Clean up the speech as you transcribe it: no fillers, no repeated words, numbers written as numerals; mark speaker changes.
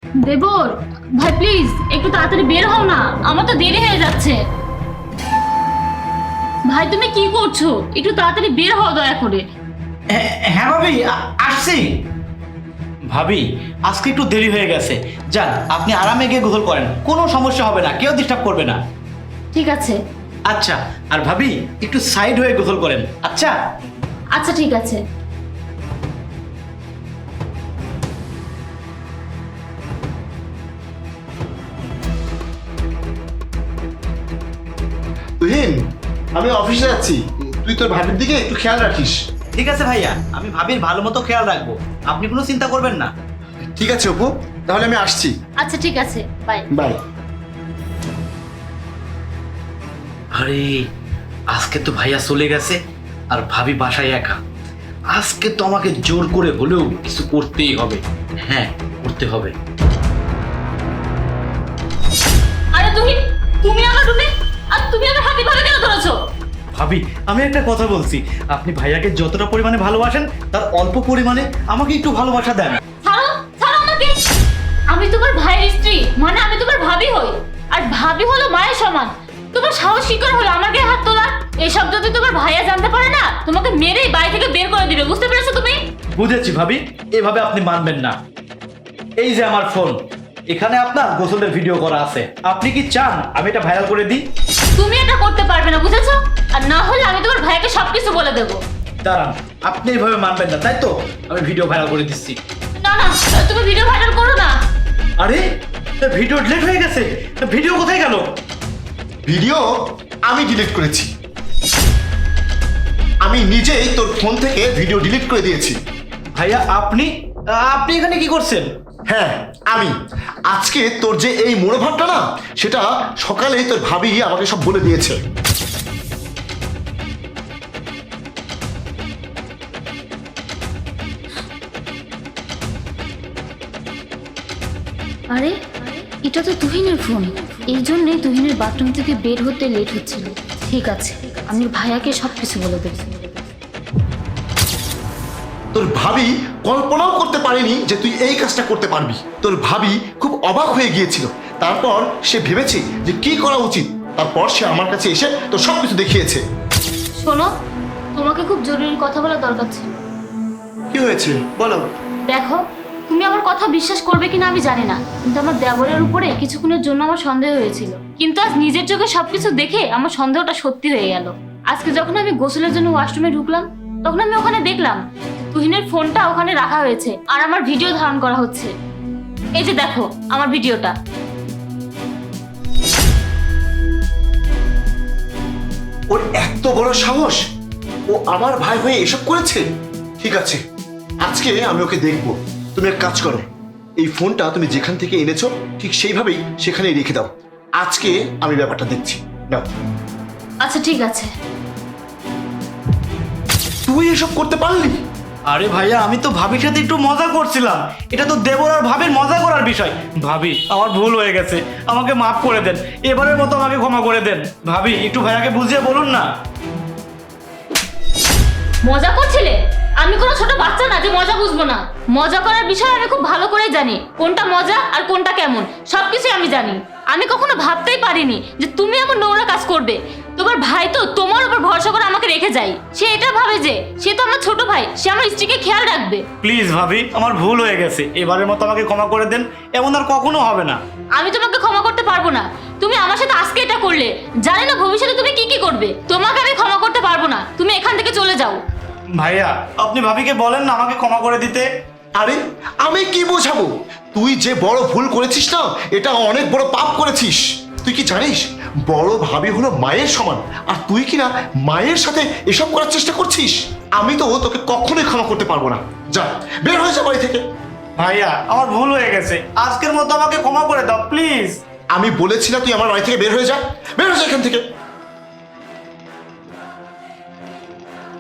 Speaker 1: দেবর ভাই প্লিজ একটু তাড়াতাড়ি বের হও না, আমার তো দেরি হয়ে যাচ্ছে। ভাই তুমি কি করছো? একটু তাড়াতাড়ি বের হও দয়া করে।
Speaker 2: হ্যাঁ ভাবি, আসছি। ভাবি আজকে একটু দেরি হয়ে গেছে, যান আপনি আরামে গিয়ে গোসল করেন, কোনো সমস্যা হবে না, কেউ ডিস্টার্ব করবে না।
Speaker 1: ঠিক আছে।
Speaker 2: আচ্ছা, আর ভাবি একটু সাইড হয়ে গোসল করেন। আচ্ছা
Speaker 1: আচ্ছা ঠিক আছে।
Speaker 3: তুহিন, আমি অফিসে যাচ্ছি, তুই তোর ভাবির দিকে একটু খেয়াল রাখিস।
Speaker 2: ঠিক আছে ভাইয়া, আমি ভাবির ভালো মতো খেয়াল রাখবো, আপনি কোনো চিন্তা করবেন না।
Speaker 3: ঠিক আছে অপু, তাহলে আমি আসছি।
Speaker 1: আচ্ছা ঠিক আছে, বাই।
Speaker 3: বাই।
Speaker 2: আরে আজকে তো ভাইয়া চলে গেছে আর ভাবি বাসায় একা। আজকে তো আমাকে জোর করে হলেও কিছু করতেই হবে। হ্যাঁ, করতে হবে।
Speaker 1: আরে তুহিন, তুমি আমার রুমে আর তুমি আমার হাতে ভালো কেন ধরেছো?
Speaker 2: ভাবি আমি একটা কথা বলছি, আপনি ভাইয়াকে যতটা পরিমাণে ভালোবাসেন তার অল্প পরিমাণে আমাকে একটু ভালোবাসা দেন।
Speaker 1: ছাড়ো ছাড়ো আমাকে। আমি তোমার ভাইয়ের স্ত্রী, মানে আমি তোমার ভাবি হই, আর ভাবি হলো মায়ের সমান। তোমার সাহস কি করে হলো আমার গায়ে হাত তোলার? এসব যদি তোমার ভাইয়া জানতে পারে না, তোমাকে মেরেই বাড়ি থেকে বের করে দিবে, বুঝতে পেরেছো তুমি?
Speaker 2: বুঝেছি ভাবি, এভাবে আপনি মানবেন না। এই যে আমার ফোন, এখানে আপনার গোসলের ভিডিও করা আছে, আপনি কি চান আমি এটা ভাইরাল করে দিই?
Speaker 1: তুমি এটা করতে পারবে না, বুঝেছো? আর না হলে আমি তোমার ভাইকে সবকিছু বলে দেবো।
Speaker 2: দাঁড়ান, আপনি এইভাবে মানবেন না তাই তো? আমি ভিডিও ভাইরাল করে দিচ্ছি।
Speaker 1: না না, তুমি ভিডিও ভাইরাল করো না।
Speaker 2: আরে ভিডিও ডিলিট হয়ে গেছে, ভিডিও কোথায় গেল?
Speaker 3: ভিডিও আমি ডিলিট করেছি, আমি নিজেই তোর ফোন থেকে ভিডিও ডিলিট করে দিয়েছি।
Speaker 2: ভাইয়া আপনি আপনি এখানে কি করছেন?
Speaker 3: হ্যাঁ আমি, আজকে তোর যে এই মনোভাবটা না, সেটা সকালেই তোর ভাবি আমাকে সব বলে দিয়েছে।
Speaker 1: আরে এটা তো তুহিনের ফোন, এই জন্যই তুহিনের বাথরুম থেকে বের হতে লেট হচ্ছিল। ঠিক আছে, আমি ভাইয়াকে সবকিছু বলে দেবো।
Speaker 3: তোর ভাবি কল্পনাও করতে পারেনি যে তুই এই কাজটা করতে পারবি। তোর ভাবি খুব অবাক হয়ে গিয়েছিল, তারপর সে ভেবেছে যে কি করা উচিত, তারপর সে আমার কাছে এসে তোর সবকিছু দেখিয়েছে।
Speaker 1: শোনো, তোমাকে খুব জরুরি কথা বলার দরকার ছিল।
Speaker 3: কি হয়েছে বলো।
Speaker 1: দেখো, তুমি আমার কথা বিশ্বাস করবে কিনা আমি জানি না, কিন্তু আমার দেবরের উপরে কিছুক্ষণের জন্য আমার সন্দেহ হয়েছিল, কিন্তু আজ নিজের চোখে সবকিছু দেখে আমার সন্দেহটা সত্যি হয়ে গেল। আজকে যখন আমি গোসলের জন্য ওয়াশরুমে ঢুকলাম, তখন আমি ওখানে দেখলাম তুহিনের ফোনটা ওখানে রাখা হয়েছে আর আমার ভিডিও ধারণ করা হচ্ছে। এই যে দেখো আমার ভিডিওটা।
Speaker 3: ওর এত বড় সাহস, ও আমার ভাই হয়ে এসব করেছে। ঠিক আছে, আজকে আমি ওকে দেখবো। তুমি এক কাজ করো, এই ফোনটা তুমি যেখান থেকে এনেছো ঠিক সেইভাবেই সেখানেই রেখে দাও। আজকে আমি ব্যাপারটা দেখছি। নাও।
Speaker 1: আচ্ছা ঠিক আছে।
Speaker 3: তুই এসব করতে পারলি?
Speaker 2: আরে ভাইয়া আমি তো ভাবির সাথে একটু মজা করছিলাম, এটা তো দেবর আর ভাবির মজা করার বিষয়। ভাবি আমার ভুল হয়ে গেছে, আমাকে মাফ করে দেন, এবারের মতো আমাকে ক্ষমা করে দেন। ভাবি একটু ভাইয়াকে বুঝিয়ে বলুন না।
Speaker 1: মজা করছিলে? আমি কোনো ছোট বাচ্চা না যে মজা বুঝবো না। মজা করার বিষয় আমি খুব ভালো করে জানি, কোনটা মজা আর কোনটা কেমন সবকিছু আমি জানি। আমি কখনো ভাবতেই পারিনি যে তুমি এমন নোংরা কাজ করবে। তোমার ভাই তো তোমার উপর ভরসা করে আমাকে রেখে যায়, সে এটা ভাবে যে সে তো আমার ছোট ভাই, সে আমার স্ত্রীকে খেয়াল রাখবে।
Speaker 2: প্লিজ ভাবি আমার ভুল হয়ে গেছে, এবারের মতো আমাকে ক্ষমা করে দেন, এমন আর কখনো হবে না।
Speaker 1: আমি তোমাকে ক্ষমা করতে পারবো না। তুমি আমার সাথে আজকে এটা করলে, জানি না ভবিষ্যতে তুমি কি কি করবে। তোমাকে আমি ক্ষমা করতে পারবো না, তুমি এখান থেকে চলে যাও।
Speaker 2: ভাইয়া আপনি ভাবিকে বলেন না আমাকে ক্ষমা করে দিতে।
Speaker 3: আরে আমি কি বোঝাবো, তুই যে বড় ভুল করেছিস না, এটা অনেক বড় পাপ করেছিস। তুই কি জানিস বড় ভাবি হলো মায়ের সমান, আর তুই কিনা মায়ের সাথে এসব করার চেষ্টা করছিস? আমি তো তোকে কখনোই ক্ষমা করতে পারবো না। যা, বের হয়ে যা বাড়ি থেকে।
Speaker 2: ভাইয়া আমার ভুল হয়ে গেছে, আজকের মতো আমাকে ক্ষমা করে দাও প্লিজ।
Speaker 3: আমি বলেছি না তুই আমার বাড়ি থেকে বের হয়ে যা, বের হয়ে যা এখান থেকে।